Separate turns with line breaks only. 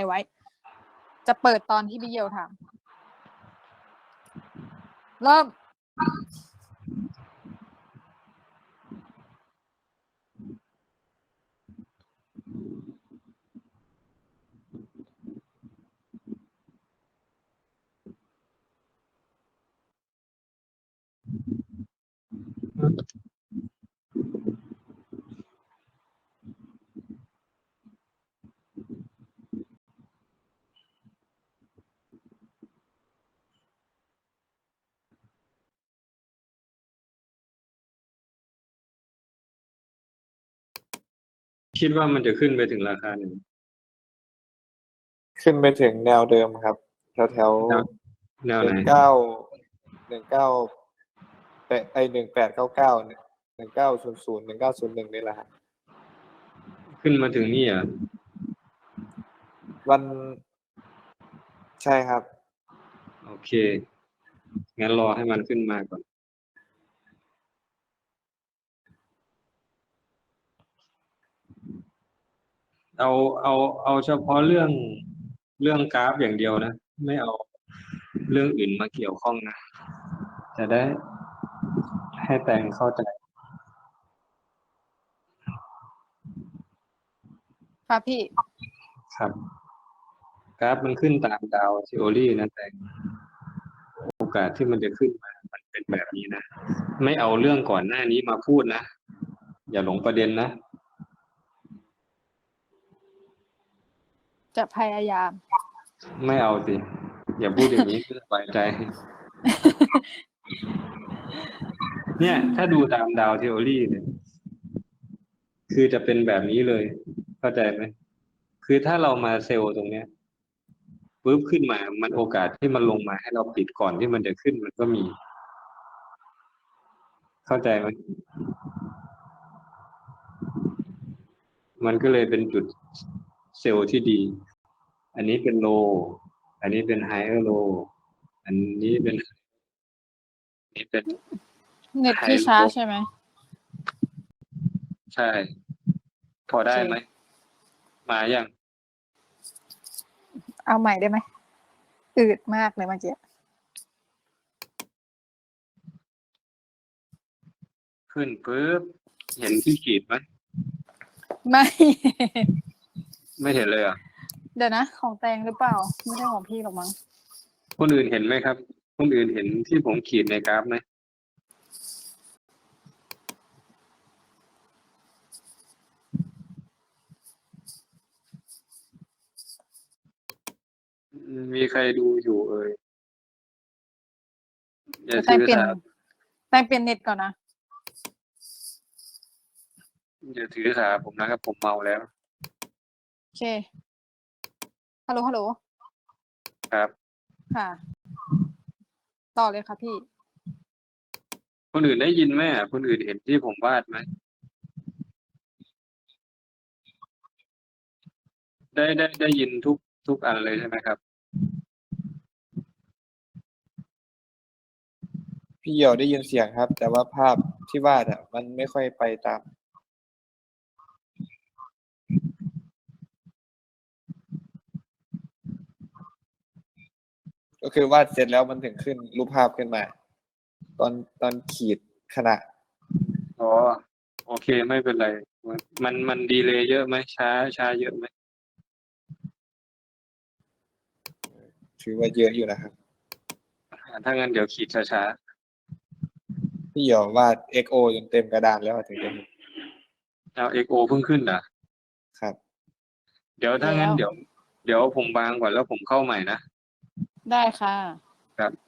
ไว้ จะเปิดตอนที่พี่เยียวถามเริ่ม
คิดว่ามันจะขึ้นไปถึงราคาหนึ่ง
ขึ้นไปถึงแนวเดิมครับแถว
แนวไหน
19191899 1900 1901นี่แหละครับ
ขึ้นมาถึงนี่อ่ะ
วันใช่ครับ
โอเค งั้นรอให้มันขึ้นมาก่อน เอาเฉพาะเรื่องกราฟอย่างเดียวนะ ไม่เอาเรื่องอื่นมาเกี่ยวข้องนะ จะได้ให้แตงเข้าใจ
ค่ะพี่
ครับ กราฟมันขึ้นตามดาวทีโอรีนะแต่โอกาสที่มันจะขึ้นมามันเป็นแบบนี้นะ ไม่เอาเรื่องก่อนหน้านี้มาพูดนะ อย่าหลงประเด็นนะ
จะพยายาม
ไม่เอาสิ อย่าพูดอย่างนี้ สบายใจ เนี่ย ถ้าดูตามดาวทีโอรีเนี่ย คือจะเป็นแบบนี้เลย เข้าใจไหม คือถ้าเรามาเซลล์ตรงเนี้ยปุ๊บขึ้นมา มันโอกาสที่มันลงมาให้เราปิดก่อนที่มันจะขึ้นมันก็มี เข้าใจไหม มันก็เลยเป็นจุดเซลล์ที่ดี อันนี้เป็นโล อันนี้เป็นไฮเออร์โล อันนี้เป็น นี่เป็น
เน็ตพี่ช้าใช่ไหม
ใช่ พอได้ไหม มายัง
เอาใหม่ได้ไหมอืดมากเลยเมื่อกี้
ขึ้นปุ๊บ เห็นที่ขีดไหม
ไม่
ไม่เห็นเลยอ่ะ
เดี๋ยวนะ ของแตงหรือเปล่า ไม่ใช่ของพี่หรอกมั้ง
คนอื่นเห็นไหมครับ คนอื่นเห็นที่ผมขีดในกราฟไหม มีใครดูอยู่เอ่ยอย่า
แต
ถื
ง
อ
เปลี่ยน
สา
แตงเปลี่ยนเน็ตก่อนนะ
อย่าถือสาผมนะครับ ผมเมาแล้ว
โอเค ฮัลโหล ฮัลโหล
ครับ
ค่ะ ต่อเลยค่ะพี่
คนอื่นได้ยินไหมอ่ะ คนอื่นเห็นที่ผมวาดไหม ได้ยินทุกอันเลยใช่ไหมครับ
พี่เหี่ยวได้ยินเสียงครับ แต่ว่าภาพที่วาดอ่ะมันไม่ค่อยไปตาม ก็คือวาดเสร็จแล้วมันถึงขึ้นรูปภาพขึ้นมา ตอนขีดขณะ
อ๋อ โอเคไม่เป็นไร มันดีเลย์เยอะไหมช้าเยอะไหม
ถือว่าเยอะอยู่นะครับ
ถ้างั้นเดี๋ยวขีดช้า
พี่เหี่ยววาด XO จนเต็มกระดานแล้วถึงจะเห็น
ๆเอา XO เพิ่งขึ้นอ่ะ
ครับ
เดี๋ยวถ้างั้น
แล้ว
เดี๋ยวผมวางก่อนแล้วผมเข้าใหม่นะ
ได้ค่ะ
ครับ